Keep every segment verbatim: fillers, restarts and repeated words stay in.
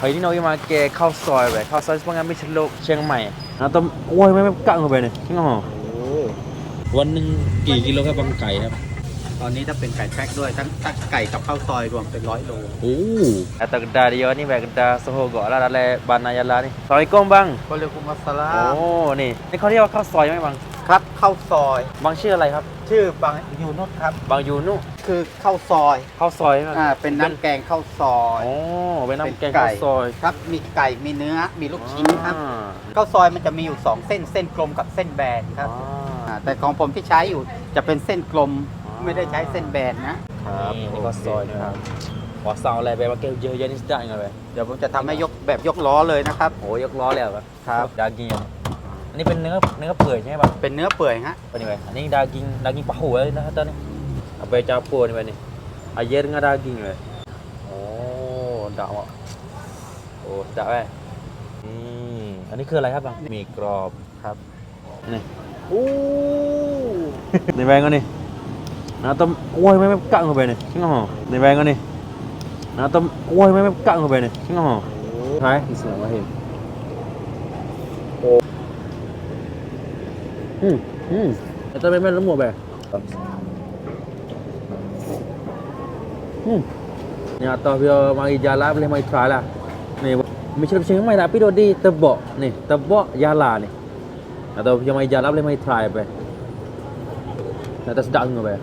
Hari ni nak pergi makanข้าวซอยไปข้าวซอยpengambil celuk เชียงใหม่นะต้องโอ้ยไม่ไม่กะเข้าไปนี่จริงเหรอวันหนึ่งกี่กิโลครับบางไก่ครับตอนนี้ถ้าเป็นไก่แพ็คด้วยทั้งทั้งไก่กับข้าวซอยรวมเป็นร้อยโลโอ้atau kedah dia ni baik kedah Sohogok lah dalam Banayala ni Assalamualaikum bang ก็เรียกว่ามัสลาโอ้นี่นี่เขาเรียกว่าข้าวซอยไหมบางครับข้าวซอยบางชื่ออะไรครับชื่อบางยูนุสครับบางยูนุคือข้าวซอยข้าวซอยไหมอ่าเป็นน้ำแกงข้าวซอยโอ้เป็นน้ำแกงข้าวซอยครับมีไก่มีเนื้อมีลูกชิ้นครับข้าวซอยมันจะมีอยู่สองเส้นเส้นกลมกับเส้นแบนครับอ่าแต่ของผมที่ใช้อยู่จะเป็นเส้นกลมไม่ได้ใช้เส้นแบนนะครับนี่ข้าวซอยนะครับขอสั่งอะไรไปว่าเกลเยอะๆนี่ได้ไงไปเดี๋ยวผมจะทำให้ยกแบบยกล้อเลยนะครับโอ้ยกล้อแล้วครับครับดากิงอันนี้เป็นเนื้อเนื้อเปื่อยใช่ไหมบางเป็นเนื้อเปื่อยฮะ Apa ni bang? Ini daging daging pahu eh dah kata ni. Apa yang campur ni bang ni? Air dengan daging bang. Oh, dak mak. Oh, sedap eh. Hmm, อันนี้คืออะไรครับบางหมี่กรอบครับนี่โอ้นี่แบงก็นี่นะต้มโอ้ยไม่ไม่กะเข้าไปนี่จริงเหรอนี่แบงก็นี่นะต้มโอ้ยไม่ไม่กะเข้าไปนี่จริงเหรอใช่ที่เสือมาเห็นHmm, hmm. Kita memang lemuk be. Hmm. Ni atas dia mari jalan boleh mari try lah. Ni macam macam mai tapi dia di tebak ni, tebak jalan ni. Atau dia mari jalan boleh mari try be. Nak tak sedap ke be.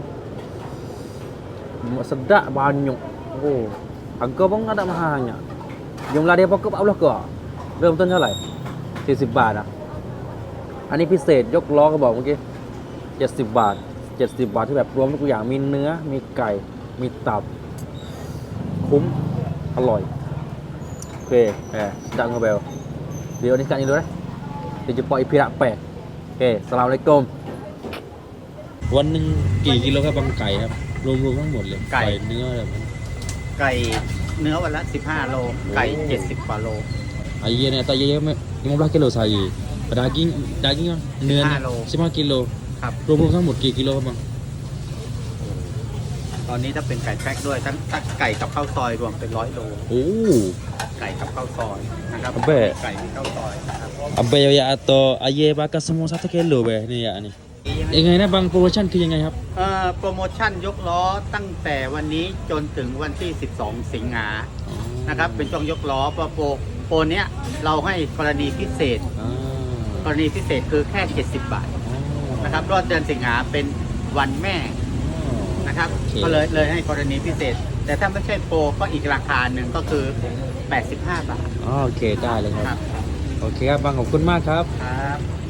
Sedap banyak. Oh. Harga pun ada mahalnya. Jumlah dia pokok empat puluh ke? เริ่มต้นเท่าไหร่สี่สิบบาทอ่ะอันนี้พิเศษยกล้อก็บอกเมื่อกี้เจ็ดสิบบาทเจ็ดสิบบาทที่แบบรวมทุกอย่างมีเนื้อมีไก่มีตับคุ้มอร่อยโอเคแหมดังกว่าเบลเดี๋ยวนี้กันอีกด้วยนะเดี๋ยวจะปล่อยพิระแปะโอเคสลามอะลัยกุมวันหนึ่งกี่กิโลครับบางไก่ครับรวมๆทั้งหมดเลยไก่เนื้ออะไรมันไก่เนื้อวันละสิบห้าโลไก่เจ็ดสิบกว่าโล Ayah ni tak ayah lima belas kilo saya. Daging daging kan เนื้อ สิบห้ากิโลครับรวมๆทั้งหมดกี่กิโลครับบางตอนนี้ถ้าเป็นไก่แพ็คด้วยทั้งทั้งไก่กับข้าวซอยรวมเป็นร้อยโลโอ้ไก่กับข้าวซอยนะครับ Abe ไก่มีข้าวซอยนะครับ Abai ya atau ayah bakar semua satu kilo be ni ya ni. ยังไงนะบางโปรโมชั่นคือยังไงครับเอ่อโปรโมชั่นยกล้อตั้งแต่วันนี้จนถึงวันที่สิบสองสิงหานะครับเป็นช่วงยกล้อเพราะโปรโปรเนี้ยเราให้กรณีพิเศษอ่ากรณีพิเศษคือแค่เจ็ดสิบบาทนะครับรอบเดือนสิงหาเป็นวันแม่นะครับก็เลยเลยให้กรณีพิเศษ แต่ถ้าไม่ใช่โปรก็อีกราคาหนึ่งก็คือแปดสิบห้าบาทอ๋อโอเคได้เลยคครัรับบ โอเคครับบางขอบคุณมากครับครับ